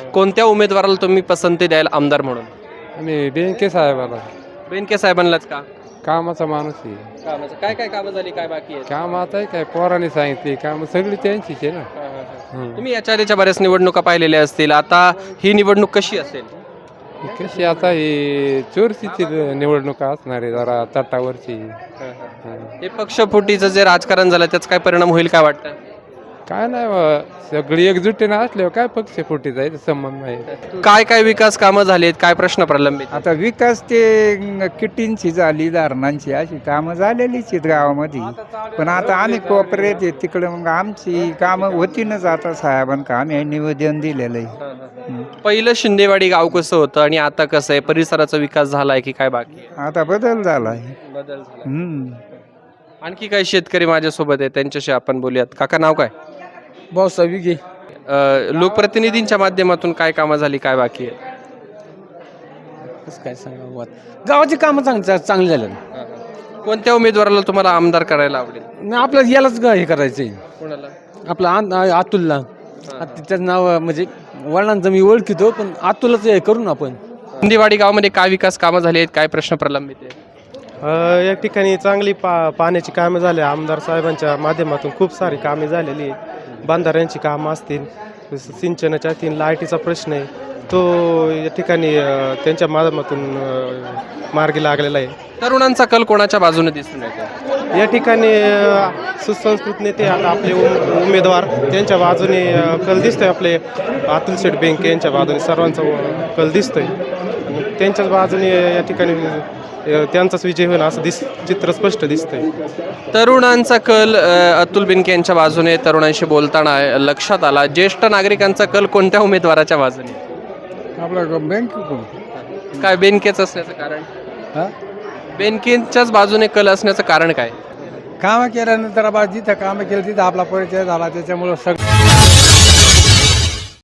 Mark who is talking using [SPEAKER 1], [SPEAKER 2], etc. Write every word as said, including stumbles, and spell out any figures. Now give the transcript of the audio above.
[SPEAKER 1] कोणत्या उमेदवाराला तुम्ही पसंती द्याल आमदार म्हणून?
[SPEAKER 2] आणि बेनके साहेबाला
[SPEAKER 1] बेनके साहेबांनाच का?
[SPEAKER 2] कामाचा माणूस आहे.
[SPEAKER 1] कामाचं काय काय कामं झाली, काय बाकी आहे?
[SPEAKER 2] काम आता काय पोराने सांगितली काम सगळी त्यांचीच आहे ना. हम्म.
[SPEAKER 1] तुम्ही याच्या आधीच्या बऱ्याच निवडणुका पाहिलेल्या असतील, आता ही निवडणूक कशी असेल?
[SPEAKER 2] ही कशी आता ही चोरशीची निवडणुका असणार आहे जरा तटावरची. हम्म.
[SPEAKER 1] हे पक्षफुटीचं जे राजकारण झालं त्याचा काय परिणाम होईल काय वाटतं?
[SPEAKER 2] काय नाही बा, सगळी एकजुटीनं असल्यावर काय पक्ष फुटी जायचं संबंध नाही.
[SPEAKER 1] काय काय विकास कामं झालीत, काय प्रश्न प्रलंबित?
[SPEAKER 3] आता विकास ते किटींची झाली धारणांची अशी कामं झालेलीच आहेत गावामध्ये. पण आता आम्ही कोपऱ्यात आहे तिकडे मग आमची कामं होतीनच आता साहेबांना आम्ही निवेदन दिलेलं आहे.
[SPEAKER 1] पहिलं शिंदेवाडी गाव कसं होतं आणि आता कसं आहे? परिसराचा विकास झालाय की काय बाकी आहे?
[SPEAKER 3] आता बदल झाला आहे.
[SPEAKER 1] बदल झाला.
[SPEAKER 3] हम्म.
[SPEAKER 1] आणखी काही शेतकरी माझ्यासोबत आहे, त्यांच्याशी आपण बोलूयात. काका नाव काय?
[SPEAKER 4] भाऊसाहेब विगे.
[SPEAKER 1] अ, लोकप्रतिनिधींच्या माध्यमातून काय कामं झाली, काय बाकी आहे?
[SPEAKER 4] कसं काय सांगा, गावाची कामं चांग चांगली झाली.
[SPEAKER 1] कोणत्या उमेदवाराला तुम्हाला आमदार करायला आवडेल?
[SPEAKER 4] आपल्याला यालाच ग- हे करायचंय,
[SPEAKER 1] कोणाला?
[SPEAKER 4] आपलं आ- अतुलला. आता त्याचं नाव म्हणजे वडिलांचं मी ओळखितो, पण अतुलच हे करू ना आपण.
[SPEAKER 1] शिंदेवाडी गावामध्ये काय विकास कामं झाली आहेत, काय प्रश्न प्रलंबित आहेत?
[SPEAKER 5] अ, या ठिकाणी चांगली पा पाण्याची कामे झाली. आमदार साहेबांच्या माध्यमातून खूप सारी कामे झालेली आहे. बांधाऱ्यांची कामं असतील, सिंचनाच्या असतील, लाईटीचा प्रश्न आहे तो या ठिकाणी अ, त्यांच्या माध्यमातून अ, मार्गी लागलेला आहे.
[SPEAKER 1] तरुणांचा कल कोणाच्या बाजूने दिसून येतो?
[SPEAKER 5] या ठिकाणी अ, सुसंस्कृत नेते आता आपले उम- उमेदवार त्यांच्या बाजूने अ, कल दिसतोय. आपले अतुल शेठ बेनके यांच्या बाजूने सर्वांचा अ, कल दिसतोय आणि त्यांच्याच बाजूने या ठिकाणी अ, त्यांचाच विजय होईल असं दिस चित्र स्पष्ट दिसतंय.
[SPEAKER 1] तरुणांचा कल अ, अतुल बेनके यांच्या बाजूने तरुणांशी बोलताना लक्षात आला. ज्येष्ठ नागरिकांचा कल कोणत्या उमेदवाराच्या बाजूने?
[SPEAKER 3] आपलं बँक
[SPEAKER 1] काय बेनकेच असण्याचं कारण? बेनकेंच्याच बाजूने कल असण्याचं कारण काय?
[SPEAKER 3] कामं केल्यानंतर जिथं कामं केलं तिथं आपला परिचय झाला त्याच्यामुळं सगळं